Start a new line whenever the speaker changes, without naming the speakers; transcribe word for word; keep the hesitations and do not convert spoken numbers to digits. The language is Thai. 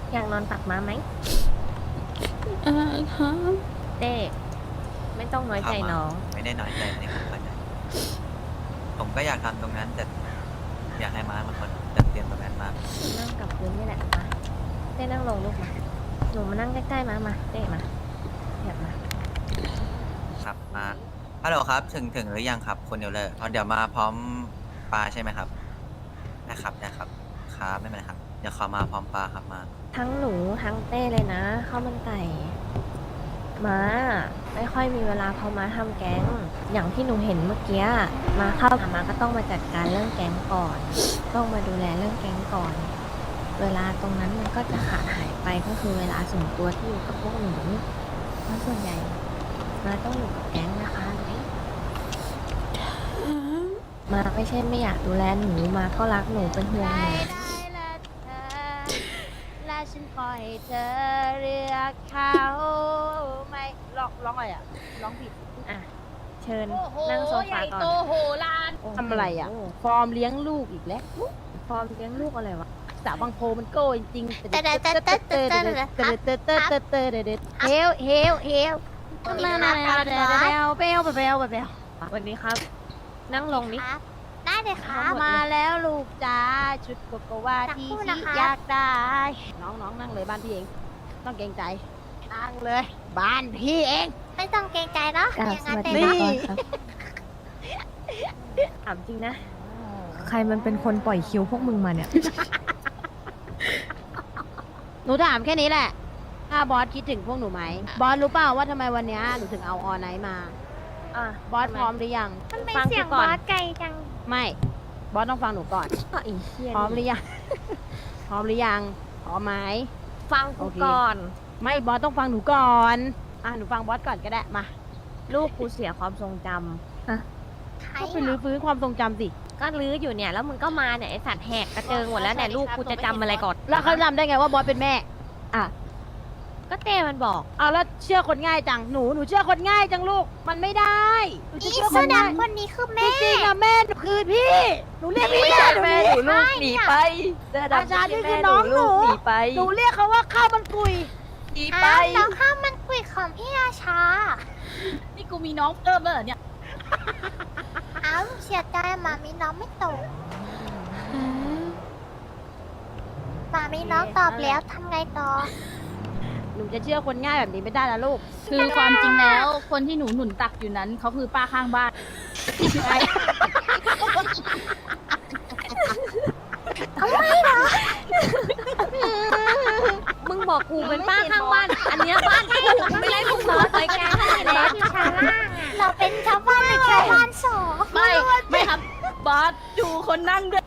อยากนอนตักม้าไหม
อ่าครับ
เต้ไม่ต้องน้อยใจน้อง
ไม่ได้น้อยใจในผมเข้าใจผมก็อยากทำตรงนั้นแต่อยากให้ม้ามันคนจัดเตรียมตรงนั้นมาก
นั่งกับพื้นนี่แหละมาเต้นั่งลงลูกมาหนูมานั่งใกล้ๆมามาเต้มาอยากมา
ครับม้าฮัลโหลครับ ถึงถึงหรือยังครับคนเดียวเลยเดี๋ยวมาพร้อมปลาใช่ไหมครับนะครับนะครับครับไม่เป็นไรครับเดี๋ยวขอมาพร้อมปลาครับมา
ทั้งหนูทั้งเต้เลยนะข้าวมันไก่ม้าไม่ค่อยมีเวลาพอมาทำแก๊งอย่างที่หนูเห็นเมื่อกี้มาเข้ามาก็ต้องมาจัดการเรื่องแก๊งก่อน ต้องมาดูแลเรื่องแก๊งก่อน เวลาตรงนั้นมันก็จะขาดหายไปก็คือเวลาส่วนตัวที่อยู่กับพวกหนูเพราะส่วนใหญ่มาต้องอยู่กับแก๊งนะคะมาไม่ใช่ไม่อยากดูแลหนูมาก็รักหนูเป็นห่วงห
ได้
นู
ได้ละเธอและฉันปล่อยเธอเรียกเขาไม่ร้องร้องอะไรอ่ะร้องผิด
อ่ะเชิญ
โอ้โห
นั่งโซ
ให
ฟา
ญ่
ก่อน
โตโหลานทำอะไรอ่ะ ฟอร์มเลี้ยงลูกอีกแล้ว
ฟอร์มเลี้ยงลูกอะไรวะ
สาวบางโพมันโก้จริงๆเตเตเตเตเตเตเตเตเตเตเตเฮลเฮลเฮลเปลวเปลวเปลวเปลวเปลวเปลว
วันนี้ครับ นั่งลงนิ
ครับได้เลยครับ
มาแล้วลูกจ้าชุดโกโกวาที่
สักครู่
ชิ
นะคะ
อยากได้ น้องน้องนั่งเลยบ้านพี่เอง ต้องเกรงใจ นั่งเลย บ้านพี่เอง
ไม่ต้องเกรงใจเนาะ
กราบ
อย่าง
ส
นั้น
วัส
เลย
ดี
เนาะ
ครับถามจริงนะ ใครมันเป็นคนปล่อยคิวพวกมึงมาเนี่ย
หนูถามแค่นี้แหละ ถ้าบอสคิดถึงพวกหนูไหม บอสรู้เปล่าว่าทำไมวันเนี้ยหนูถึงเอาออนไนท์มา
อ่ะ
บอสพร้อมหรือยัง
มันเป็น
ฟัง
เสียง
กูก่
บ
อน
อสไกลจัง
ไม่ บอสต้องฟังหนูก่อน
ก็อีเชีย
พร้อมหรือยัง พร้อมหรือยัง พร้อมไหม
ฟังกู
โอเค
ก่อน
ไม่ บอสต้องฟังหนูก่อน อ่ะ หนูฟังบอสก่อนก็ได้ มา
ลูกกูเสียความทรงจ
ใคร
ก็ไปรื้อฟื้นความทรงจำสิ
ำก็ลื้ออยู่เนี่ย แล้วมึงก็มาเนี่ยไอสัตว์แหกกระเจิงหมดแล้วเนี่ยลูกกูจะจำอะไรก่อน
แล้วเขาจำได้ไงว่าบอสเป็นแม่
อ่ะ ก็เต้มันบอก
เอาแล้วเชื่อคนง่ายจัง หนู หนูเชื่อคนง่ายจังลูก มันไม่ได้ หนูจะ
อี
เชื่อค
เสื้อน
ง่าย
ดำคนนี้คือ
จ
แม่
ริงๆอะแม่หนูคือพี่ หนูเรียกพี่แม่เดี๋ยวนี้
ลูกหนีไปเสื้อดำ
อาจารย์นี่คือน้องหนู
หนีไป
หนูเรียกเขาว่าข้าวมันกุย
หนี
อ้า
ไป
วน้องข้าวมันกุยของพี่ราชา
นี่กูมีน้องเพิ่มแล้วเหรอเนี่ย
อ้าวเสียใจหมามีน้องไม่ตกหมามีน้องตอบแล้วทำไงต่อ
หนูจะเชื่อคนง่ายแบบนี้ไม่ได้นะลูก
คือความจริงแล้วคนที่หนูหนุนตักอยู่นั้นเขาคือป้าข้างบ้าน
มึงบอกกูเป็นป้าข้างบ้าน อันเนี้ยบ้านกูไม่ได้มึงบอกไปแกให้
บ
แล้
อ
ว
สอยู่ชั้นล่างอะเราเป็นชาวบ้านหรือชาวบ้านสอง
ไม่ ไม่ครับ บอสอยู่คนนั่งด้วย